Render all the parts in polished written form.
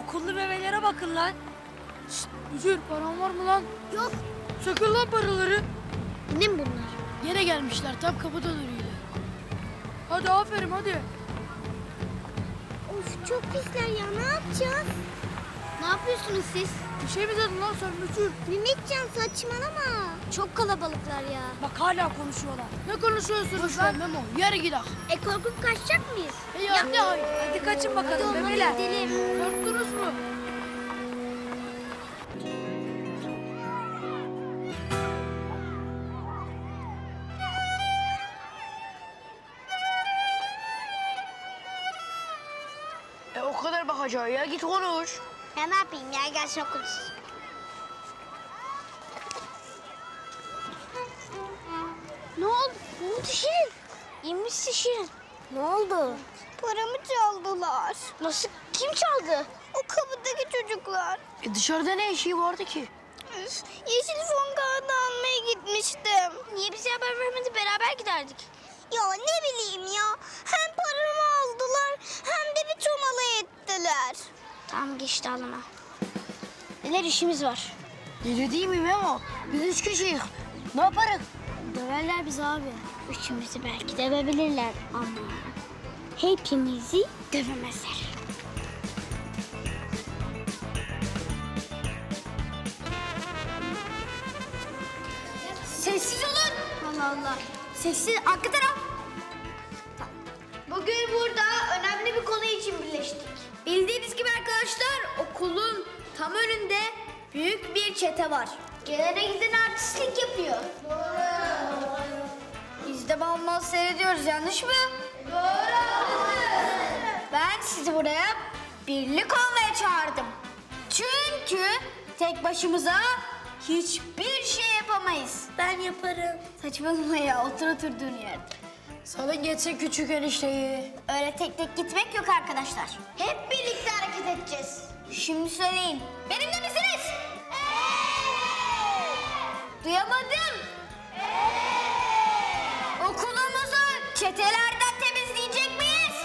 Okullu bebeğlere bakın lan. Şşt, müdür paran var mı lan? Yok. Sakın lan paraları. Ne mi bunlar? Yine gelmişler tam kapıda duruyor. Hadi aferin hadi. Of çok pisler ya, ne yapacağız? Ne yapıyorsunuz siz? Bir şey mi dedin lan sen müdür? Mehmetcan saçmalama. Çok kalabalıklar ya. Bak hala konuşuyorlar. Ne konuşuyorsunuz Boş ver lan? Memo, yürü gidelim. Korkup kaçacak mıyız? Ya hayır. Hadi kaçın Hadi bakalım onlara bebeler. gidelim. Korktunuz mu? O kadar bakacağı ya, git konuş. Ya ne yapayım ya, gelsin okuluz. Ne oldu? Ne oldu Şirin? İyi misin Şirin? Ne oldu? Paramı çaldılar. Nasıl? Kim çaldı? O kapıdaki çocuklar. Dışarıda ne işi vardı ki? Üf, yeşil fon kağıdı almaya gitmiştim. Niye bize haber vermedi, beraber giderdik. Ya ne bileyim ya. Hem paramı aldılar hem de bir tomala ettiler. Tamam geçti alana. Neler işimiz var. Deli değil mi Memo? Biz 3 kişiyiz. Ne yaparız? Döverler bizi abi. Üçümüzü belki dövebilirler ama hepimizi dövemezler. Sessiz olun. Allah Allah. Sessiz. Arka taraf. Bugün burada önemli bir konu için birleştik. Bildiğiniz gibi arkadaşlar, okulun tam önünde büyük bir çete var. Gelene giden artistlik yapıyor. Biz de bal bal seyrediyoruz, yanlış mı? Doğru. Ben sizi buraya birlik olmaya çağırdım. Çünkü tek başımıza hiçbir şey yapamayız. Ben yaparım. Saçmalama ya, otur oturduğun yerde. Salın geçse küçük enişteyi. Öyle tek tek gitmek yok arkadaşlar. Hep birlikte hareket edeceğiz. Şimdi söyleyin. Benimle misiniz? Duyamadım. Okulumuzu çetelerden temizleyecek miyiz?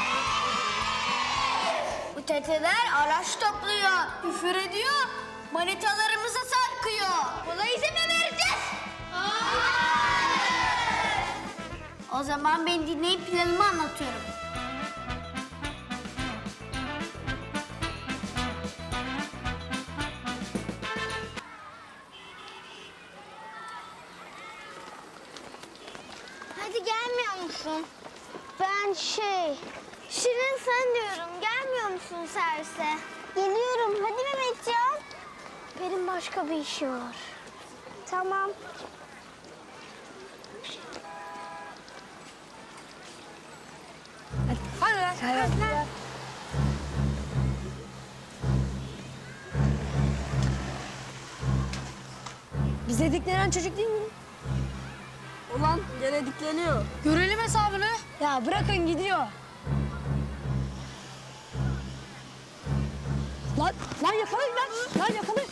Bu çeteler araç topluyor, küfür ediyor, manitalarımıza sarkıyor. Buna izin mi vereceğiz? O zaman beni dinleyip planımı anlatıyorum. Hadi gelmiyor musun? Ben Şirin sen diyorum. Gelmiyor musun servise? Geliyorum. Hadi Mehmetcan. Benim başka bir işim var. Tamam. Hadi lan. Hadi lan. Bize diklenen çocuk değil mi? Ulan gene dikleniyor. Görelim hesabını. Ya bırakın gidiyor. Lan yakalayın lan. Lan yakalayın.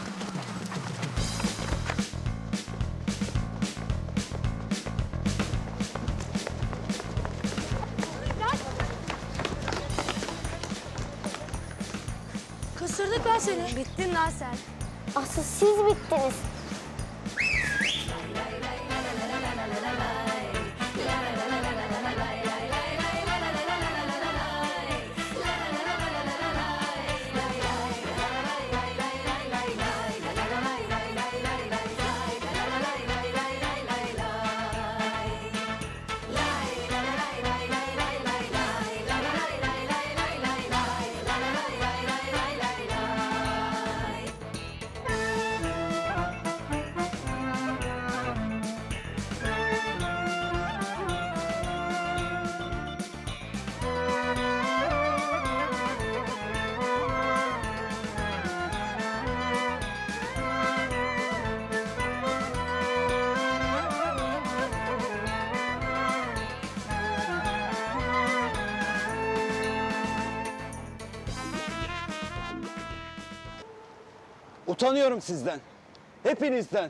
Kısırdık ben seni. Bittin lan sen. Asıl siz bittiniz. Utanıyorum sizden. Hepinizden.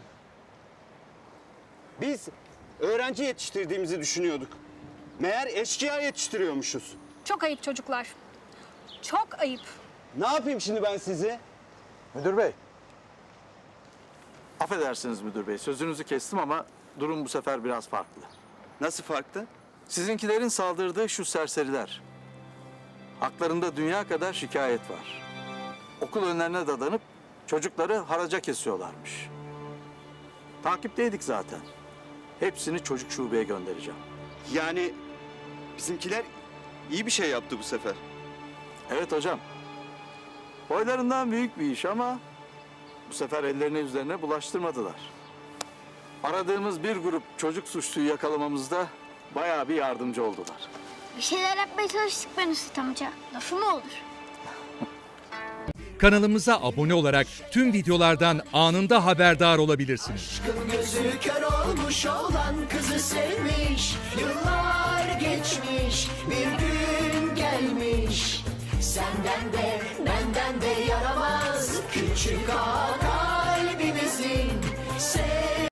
Biz öğrenci yetiştirdiğimizi düşünüyorduk. Meğer eşkıya yetiştiriyormuşuz. Çok ayıp çocuklar. Çok ayıp. Ne yapayım şimdi ben sizi? Müdür bey. Affedersiniz müdür bey, sözünüzü kestim ama durum bu sefer biraz farklı. Nasıl farklı? Sizinkilerin saldırdığı şu serseriler. Haklarında dünya kadar şikayet var. Okul önlerine dadanıp çocukları haraca kesiyorlarmış. Takipteydik zaten. Hepsini çocuk şubeye göndereceğim. Yani bizimkiler iyi bir şey yaptı bu sefer. Evet hocam. Boylarından büyük bir iş ama bu sefer ellerine yüzlerine bulaştırmadılar. Aradığımız bir grup çocuk suçluyu yakalamamızda bayağı bir yardımcı oldular. Bir şeyler yapmaya çalıştık ben Üstad amca. Lafı mı olur? Kanalımıza abone olarak tüm videolardan anında haberdar olabilirsiniz. Gözü kör olmuş olan kızı sevmiş. Yıllar geçmiş, bir gün gelmiş. Senden de benden de yaramaz küçük ağa.